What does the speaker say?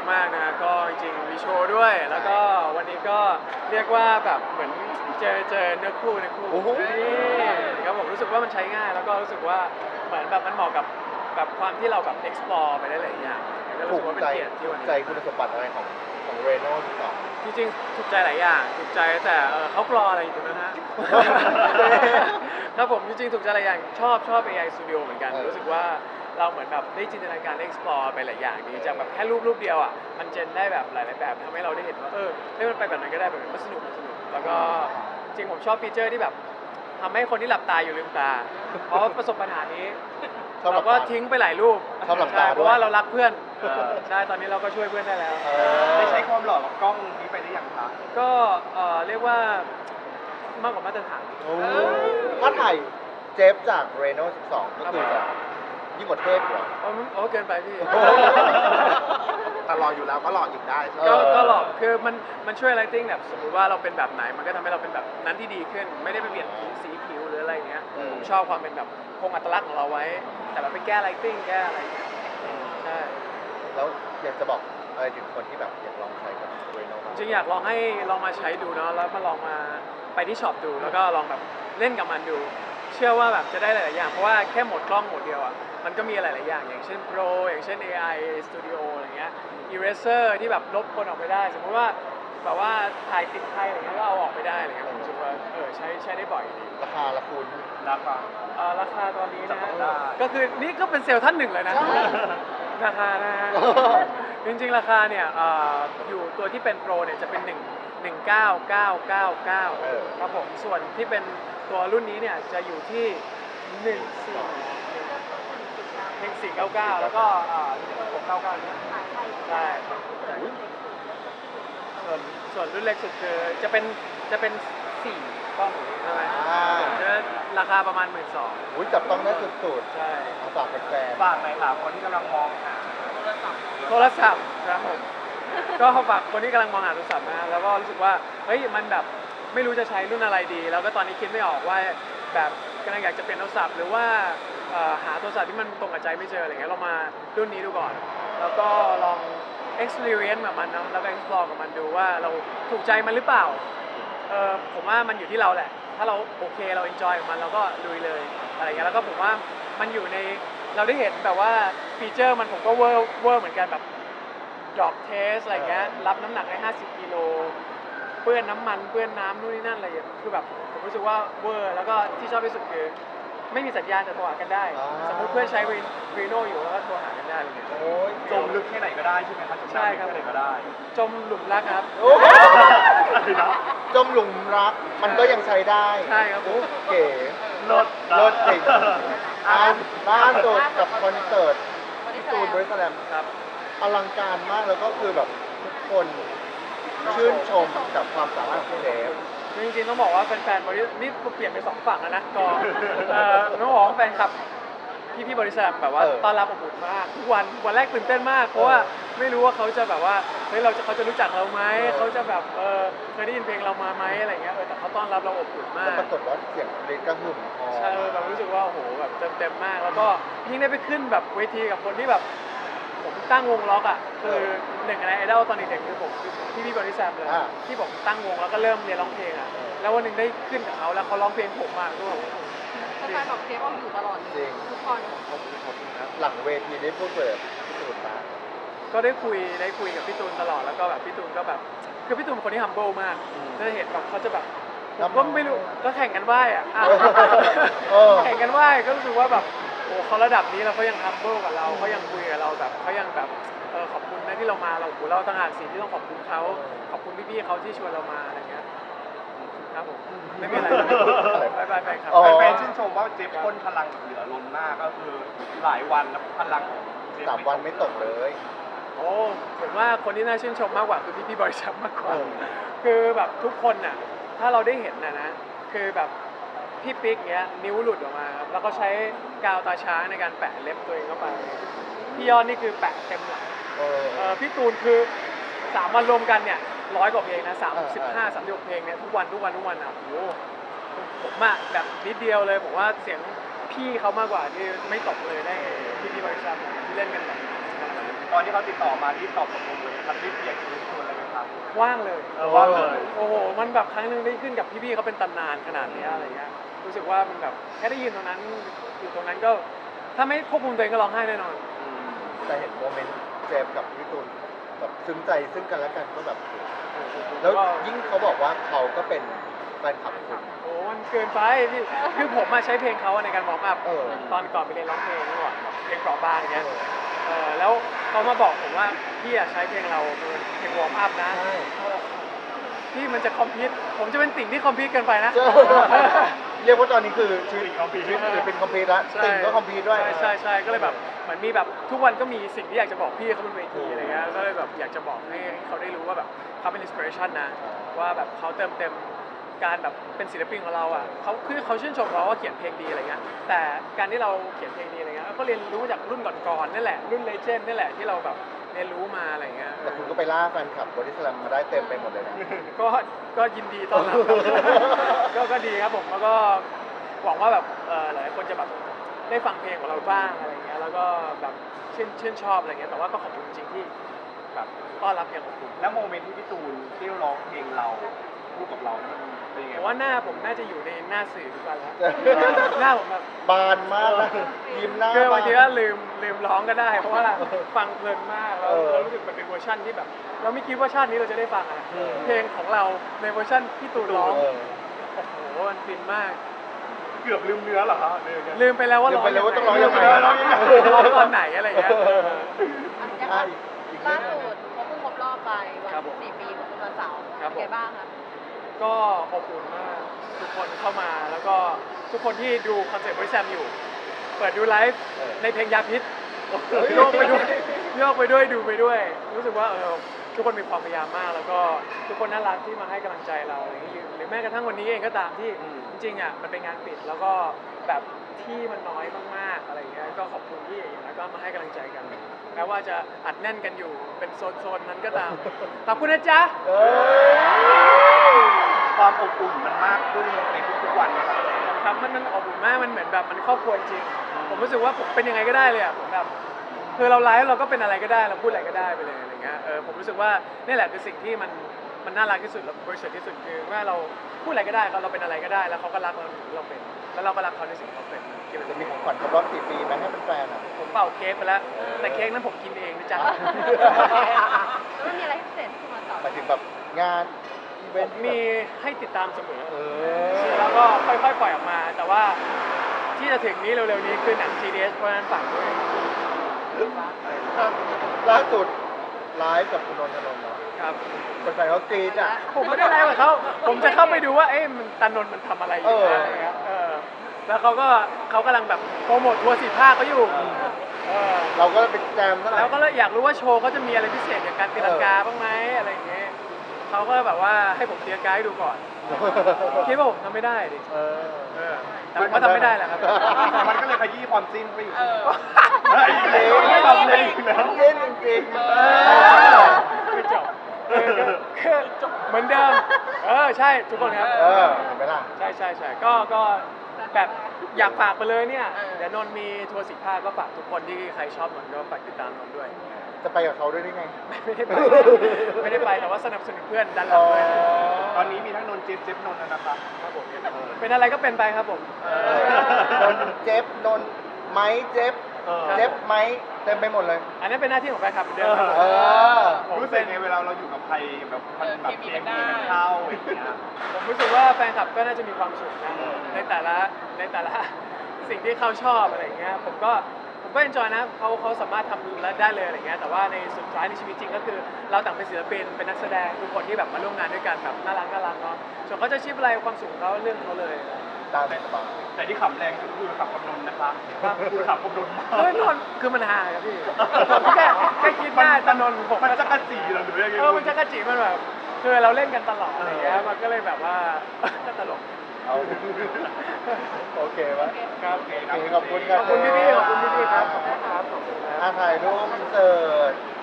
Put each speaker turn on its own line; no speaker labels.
มากนะก็จริงๆมีโชว์ด้วยแล้วก็วันนี้ก็เรียกว่าแบบเหมือนเจอเนื้อคู่นี่ครับผมรู้สึกว่ามันใช้ง่ายแล้วก็รู้สึกว่าเหมือนแบบมันเหมาะกับแบบความที่เราแบบ explore ไปได้หลายอย่างก็รู้
ถู
สึก
ก
ว่าเป็น
ใจ
เกียรติที่วัน
ถูก
นี้
ใจคุณสมบัติอะไรของเรโน่ต่อ
จริงๆถูกใจหลายอย่างถูกใจแต่เขากรออะไรอยู่ตรงนั้นฮะ ครับผมจริงๆถูกใจหลายอย่างชอบ AI Studio เหมือนกันรู้สึกว่าเราเหมือนแบบได้จินตนาการได้ explore ไปหลายอย่างดีจากแบบแค่รูปเดียวอ่ะมันเจนได้แบบหลายๆแบบทำให้เราได้เห็นว่าให้มันไปแบบนั้นก็ได้แบบนั้นมันสนุกแล้วก็จริงผมชอบฟีเจอร์ที่แบบทำให้คนที่หลับตาอยู่ลืมตาเพราะประสบปัญหานี้
ชอบหลั
เรา
บ
ก็
ตา
ทิ้งไปหลายรูป
ชอบหลับตา
ใช่เพราะว่า
ด้วย
เรารักเพื่อนใช่ตอนนี้เราก็ช่วยเพื่อนได้แล้ว
ได้ใช้ความหล่อกับกล้องนี้ไปได้อย่างคะ
ก็เรียกว่ามากกว่ามาตรฐาน
โอ้ถ้าถ่ายเจฟจากเรโน่12 ก็คือจะยิ่งกว่าเทพเหรอ
เกินไปพี่
แต่หล่ออยู่แล้วก็หล่ออีกได้ใช่ไหม
ก็หลอกคือมันช่วย lighting แบบสมมติว่าเราเป็นแบบไหนมันก็ทำให้เราเป็นแบบนั้นที่ดีขึ้น ไม่ได้ไปเปลี่ยนสีผิวหรืออะไรอย่างเงี้ยผมชอบความเป็นแบบคงอัตลักษณ์ของเราไว้ แต่แบบไปแก้ lighting แก้อะไรอย่างเงี้ยใช่
แล้วอยากจะบอกอะไรถึงคนที่แบบอยากลองใช้กับเรโน่บ้าง
จริงอยากลองให้ลองมาใช้ดูเนาะแล้วมาลองมาไปที่ช็อปดูแล้วก็ลองแบบเล่นกับมันดู เชื่อว่าแบบจะได้หลายๆอย่างเพราะว่าแค่โหมดกล้องโหมดเดียวอ่ะมันก็มีหลายๆอย่างอย่างเช่น Pro อย่างเช่น AI Studio อะไรเงี้ย Eraser ที่แบบลบคนออกไปได้ สมมติว่าแบบว่าถ่ายติดใครอะไรเงี้ยก็เอาออกไปได้อะไรเงี้ยผมรู้สึกว่าใช้ได้บ่อยดี
ราคาละคุณ
ราคา
ราคาตอนนี้นะ
จับต้องได้
ก็คือนี่ก็เป็นเซลล์ท่านหนึ่งเลยนะ ราคานะฮะ จริงๆราคาเนี่ยอยู่ตัวที่เป็นโปรเนี่ยจะเป็น199,999ครับผมส่วนที่เป็นตัวรุ่นนี้เนี่ยจะอยู่ที่1499แล้วก็1699เนี่ยใช่ส่วนรุ่นเล็กสุดคือจะเป็น4กล้องใช่ไหมจะราคาประมาณ 12,000
อุ้ยจับต้องได้สุด
ใช่
ๆมาฝากแฟน
ฝากหน่อยค่ะคนที่กำลังมองหา
โทรศัพท์ครับผมก็ฝากคนที่กำลังมองหาโทรศัพท์นะแล้วก็รู้สึกว่าเฮ้ยมันแบบไม่รู้จะใช้รุ่นอะไรดี แล้วก็ตอนนี้คิดไม่ออกว่าแบบกำลังอยากจะเปลี่ยนโทรศัพท์หรือว่าหาโทรศัพท์ที่มันตรงกับใจไม่เจออะไรเงี้ยเรามารุ่นนี้ดูก่อน แล้วก็ลอง experience กับมันเนาะแล้วก็ explore กับมันดูว่าเราถูกใจมันหรือเปล่าผมว่ามันอยู่ที่เราแหละ ถ้าเราโอเคเรา enjoy กับมันเราก็ลุยเลยอะไรเงี้ยแล้วก็ผมว่ามันอยู่ในเราได้เห็นแบบว่าฟีเจอร์มันผมก็เวอร์เหมือนกันแบบ drop test อะไรเงี้ยรับน้ำหนักได้50กิโลเปื้อนน้ำมันเปื้อนน้ำนู่นนี่นั่นอะไรอย่างเงี้ยคือแบบผมรู้สึกว่าเวอร์แล้วก็ที่ชอบที่สุดคือไม่มีสัญญาณแต่โทรหากันได้ สมมติเพื่อนใช้รีโนอยู่แล้วก็โทรหากันได้อะไรเงี้ย
โอ้ย
จมลึกแค่ไหนก็ได้ใช่ไหมคะ
ใช่ครับ
แค่ไหนก็ได้
จมหลุมรักครับ
โอ้จมหลุมรักมันก็ยังใช้ได้
ใช่ครับผม
เก๋
ลด
เลิศจริงล่าสุดกับคอนเสิร์ตพี่ตูนบริสแลม
ครับ
อลังการมากแล้วก็คือแบบทุกคนชื่นชมกับความสามารถของพี่เดฟ
จริงๆต้องบอกว่าแฟนๆบริษัทนี่เปลี่ยนไป2ฝั่งแล้วนะก็ต้องบอกว่าแฟนคลับพี่บริษัทแบบว่าต้อนรับอบอุ่นมากทุกวันแรกตื่นเต้นมากเพราะว่าไม่รู้ว่าเขาจะแบบว่าเฮ้ยเขาจะรู้จักเราไหมเขาจะแบบเคยได้ยินเพลงเรามาไหมอะไรเงี้ยแต่เขาต้อนรับเราอบอุ่นมา
แล้ว
ก
ปรากฏว่าเสียงเดฟกระหึ่มพอ
ใช่แบบรู้สึกว่าโอ้โหแบบเต็มมากแล้วก็ยิ่งได้ไปขึ้นแบบเวทีกับคนที่แบบผมตั้งวงล็อกอ่ะคือหนึ่งในไอดอลตอนเด็กๆคือผมพี่บริษัทเลยที่ผมตั้งวงแล้วก็เริ่มเรียนร้องเพลงอ่ะแล้ววันหนึ่งได้ขึ้นกับเขาแล้วเขาร้องเพลงผมมากด้วย
แฟนๆบอกเทปเอาอยู่ตลอดเลยทุกคน
หลังเวทีได้พูดเปิดพี่ตูนมา
ก็ได้คุยกับพี่ตูนตลอดแล้วก็แบบพี่ตูนก็แบบคือพี่ตูนเป็นคนที่ humble มากจะเห็นแบบเขาจะแบบผมก็ไม่รู้ก็แข่งกันไหว้อ่ะแข่งกันไหว้ก็รู้สึกว่าแบบโอ้เขาระดับนี้แล้วเขายัง humble กับเราเขายังคุยกับเราแบบเขายังแบบขอบคุณนะที่เรามาเราต่างหากสิ่งที่ต้องขอบคุณเขาขอบคุณพี่ๆเขาที่ชวนเรามาอะไรเงี้ยครับผมไม่เป็นไรบายครับ
แฟนๆชื่นชมว่าเจฟพ่นพลังแบบเหลือล้นมากก็คือหลายวันแล้วพลังของเจฟ
3 วันไม่ตกเลย
โอ้ผมว่าคนที่น่าชื่นชมมากกว่าคือพี่บริษัทมากกว่าคือแบบทุกคนน่ะถ้าเราได้เห็นนะคือแบบพี่ปิ๊กเงี้ยนิ้วหลุดออกมาครับแล้วก็ใช้กาวตาช้างในการแปะเล็บตัวเองเข้าไปพี่ยอดนี่คือแปะเต็มหลังพี่ตูนคือ3 วันรวมกันเนี่ย100 กว่าเพลงนะ36 เพลงเนี่ยทุกวันอ่ะโอ้โหผมอะแบบนิดเดียวเลยผมว่าเสียงพี่เขามากกว่าที่ไม่ตกเลยได้พี่บริษัทที่เล่นกันแบบ
ตอนที่เขาติดต่อมาที่ตอบตกลงเลยครับรีบเรียกรีบชวนอะไรไหมครับ
ว่างเลย
ว่างเลย
โอ้โหมันแบบครั้งหนึงได้ขึ้นกับพี่ๆเขาเป็นตำนานขนาดเนี้ยอะไรเงี้ยรู้สึกว่ามันแบบแค่ได้ยินตรงนั้นอยู่ตรงนั้นก็ถ้าไม่ควบคุมตัวเองก็ร้องไห้แน่นอน
แต่เห็นโมเมนต์เจมส์กับพี่ตูนแบบซึ้งใจซึ่งกันและกันก็แบบ แล้วยิ่งเขาบอกว่าเขาก็เป็นแฟนคลับคุณ
โอ้มันเกินไปพี่คือผมมาใช้เพลงเขาในการวอร์มอัพ
เออ
ตอนก่อนไปเรียนร้องเพลงก่อนแบบเพลงเปราะบางเงี้ยแล้วเขามาบอกผมว่าพี่อะใช้เพลงเราเป็นเพลงวอร์มอัพนะ
ใช่
พี่มันจะคอมพิวต์ผมจะเป็นติ่งที่คอมพิวต์เกินไปนะ
เรียกว่าตอนนี้คือชีวิต
คอมพิวต์
ชีวิตศิลปินคอมพิวต์ละ
ใช่
ติ่งก็คอมพิวต์ด้วย
ใช่ก็เลยแบบเหมือนมีแบบทุกวันก็มีสิ่งที่อยากจะบอกพี่เขาบนเวทีอะไรเงี้ยก็เลยแบบอยากจะบอกให้เขาได้รู้ว่าแบบเขาเป็นอินสปิเรชันนะว่าแบบเขาเติมเต็มการแบบเป็นศิลปินของเราอ่ะเขาคือเขาชื่นชมเราว่าเขียนเพลงดีอะไรเงี้ยแต่การที่เราเขียนเพลงดีอะไรเงี้ยก็เรียนรู้จากรุ่นก่อนๆนั่นแหละรุ่นเลเจนด์นั่นแหละที่เราแบบเรียนรู้มาอะไรเงี้ย
แต่คุณก็ไปล่าแฟนคลับบอดี้สแลมมาได้เต็มไปหมดเลยนะ
ก็ยินดีต้อนรับครับ ก็ดีครับผมแล้วก็หวังว่าแบบหลายคนจะแบบได้ฟังเพลงของเราบ้างอะไรเงี้ยแล้วก็แบบชื่นชอบอะไรเงี้ยแต่ว่าก็ขอบคุณจริงๆที่แบบต้อนรับอย่างอบอุ่น
แล้วโมเมนต์ที่พี่ตูนที่ร้องเพลงเราพูดกับเรามันเป็นยังไง
แต่ว่าหน้าผมน่าจะอยู่ในหน้าสื่อทุกวันแล้ว หน้าผมแบบ
บานมากนะยิ้มหน้า
คือบางทีก็
บาน
ลืมร้องก็ได้ เพราะว่าฟังเพลินมากแล้ว
เออ
เรารู้สึกมันเป็นเวอร์ชันที่แบบ เราไม่คิดว่าชาตินี้เราจะได้ฟังอะ
เออ
เพลงของเราในเวอร์ชันพี่ตูนร้อง
เออ
โอ้โหมันฟินมาก
เกือบลืมเนื้อเหรอครับเนี่ย
ลืมไปแล้วว่า
ลืมไปแล้วว่าต้องร้องยังไง
ร้องตอนไหนอะไรอย่างเงี้ย
อ่ะอีก
ล่า
เรื่องห
สุ
นึ่ง
ดเขาเพิ่งครบรอบไปวั
ครับ
น
ผม
4 ปีของคุณวันเสาร์
ครับผม
เป็นไงบ้างคะ
ก็อบอุ่นมากทุกคนเข้ามาแล้วก็ทุกคนที่ดูคอนเสิร์ตบริษัทอยู่ เปิดดูไลฟ์ในเพลงยาพิษโยกไปด้วยดูไปด้วย รู้สึกว่าทุกคนมีความพยายามมาก แล้วก็ทุกคนน่ารักที่มาให้กำลังใจเราอะไรอย่างนี้หรือแม้กระทั่งวันนี้เองก็ตามที่จริงๆอ่ะมันเป็นงานปิดแล้วก็แบบที่มันน้อยมากๆอะไรอย่างเงี้ยก็ขอบคุณที่อย่างนั้นก็มาให้กำลังใจกันแม้ว่าจะอัดแน่นกันอยู่เป็นโซนๆนั้นก็ตามขอบคุณนะจ๊ะ
เออ
ความอบอุ่นมันมากขึ้นในทุกๆวันนะครับ
ครับมันอบอุ่นมากมันเหมือนแบบมันครอบครัวจริงผมรู้สึกว่าผมเป็นยังไงก็ได้เลยอ่ะผมแบบคือเราไลฟ์เราก็เป็นอะไรก็ได้เราพูดอะไรก็ได้ไปเลยอะไรเงี้ยผมรู้สึกว่านี่แหละคือสิ่งที่มันน่ารักที่สุดและบริสุทธิ์ที่สุดคือว่าเราพูดอะไรก็ได้เราเป็นอะไรก็ได้แล้วเขาก็รักเราที่เราเป็นแล้วเราก็รักเขาในสิ่งที่เขาเป็นที่มัน
จะ
จะ
มี
มี
ของขวัญครบรอบ4 ปีไหมให้เป็นแฟนๆอ่ะ
ผมเป่าเค้กไปแล้วแต่เค้กนั้นผมกินเองนะจ๊ะ
แล้วมันมีอะไรพิเศษที่คุณวันเสาร์
หมายถึงแบบงานอีเว
ผ
น
ม
ต์
มีให้ติดตามเสมอ
เอ
แล้วก็ค่อยๆปล่อยออกมา แต่ว่าที่จะถึงนี้เร็วๆนี้คือหนัง GDS เพราะฉะนั้นฝากด้วย
ล่าสุดไลฟ์กับคุณนนทนนท์เนาะ
ครับ
คนแฟนเขากรี๊ดอ่ะ
ผมไม่ได้ไลฟ์กับเขาผมจะเข้าไปดูว่ามันตานนท์มันทำอะไรอยู่นะอะไรเงี้ยแล้วเขากำลังแบบโปรโมททัวร์4 ภาคเขาอยู่เออ
เราก็ไปแจมซะหน่
แล้
อ
วย ก็เลยอยากรู้ว่าโชว์เขาจะมีอะไรพิเศษอย่างการตีลังกาบ้างไหมอะไรอย่างเงี้ยเขาก็แบบว่าให้ผมตีลังกาให้ดูก่อนคิดว่าผมทำไม่ได้ดิ
เออ
แต่ผมก็ทำไม่ได้แหละครับ
มันก็เลยขยี้ความจิ้นไปอีก
เออ
เฮ้ย
จริง
ไม่ทำเลยอีกแล้ว
จริงจริง
ไม่จบคือเหมือนเดิมใช่ทุกคนครับ
เห็นไหมล่ะ
ใช่ก็แบบอยากฝากไปเลยเนี่ยเดี๋ยวนนท์มีทัวร์4 ภาคก็ฝากทุกคนที่ใครชอบนนท์ก็ฝากติดตามนนท์ด้วย
จะไปกับเขาด้วยได้ไง
ไม่ได้ไปแต่ว่าสนับสนุนเพื่อนดันหลังด้วย
ตอนนี้มีทั้งนนท์เจฟนนท์นะครับ
ครับผมเป็นอะไรก็เป็นไปครับผม
นนเจ็บนนไม้เจ็บเจ็บไม้เต็มไปหมดเลย
อันนั้นเป็นหน้าที่ของแฟนคลับเหมือนเดิมครับผม
เออ
ผม
รู้สึ
เป็
ก
น
ไงเวลาเราอยู่กับใครแบบมันแบบเคมีมันเข้าอย่างเงี้ย
ผมรู้สึกว่าแฟนคลับก็น่าจะมีความสุขนะในแต่ละสิ่งที่เขาชอบอะไรอย่างเงี้ยผมก็เอนจอยนะเขาสามารถทำแล้วได้เลยอะไรเงี้ยแต่ว่าในสุดท้ายในชีวิตจริงก็คือ เราต่างเป็นศิลปินเป็นนักแสดงทุกคนที่แบบมาร่วมงานด้วยกันแบบน่ารักเนาะส่วนเขาจะชิปอะไรความสุขของเขาเรื่องของเขาเลย
ตามสบาย
แต่ที่ขำแรงสุดคือขับกับนนท์นะคะคือขับกับนนท์มาก
นนท์คือมันฮาครับพี่ผมแค่คิดหน้าตานนท์ผม
มันจะกระจีเหรอหรือยังไง
มันจะกระจิมันแบบคือเราเล่นกันตลอดอะไรเงี้ยมันก็เลยแบบว่า ก็ตลก
เอาโอเคไหม
ครับ
โอเคขอบคุณครับ
ขอบคุณพี่ๆขอบคุณพี่ๆครับขอบคุณครับ
ถ่ายรูปอินเสิร์ต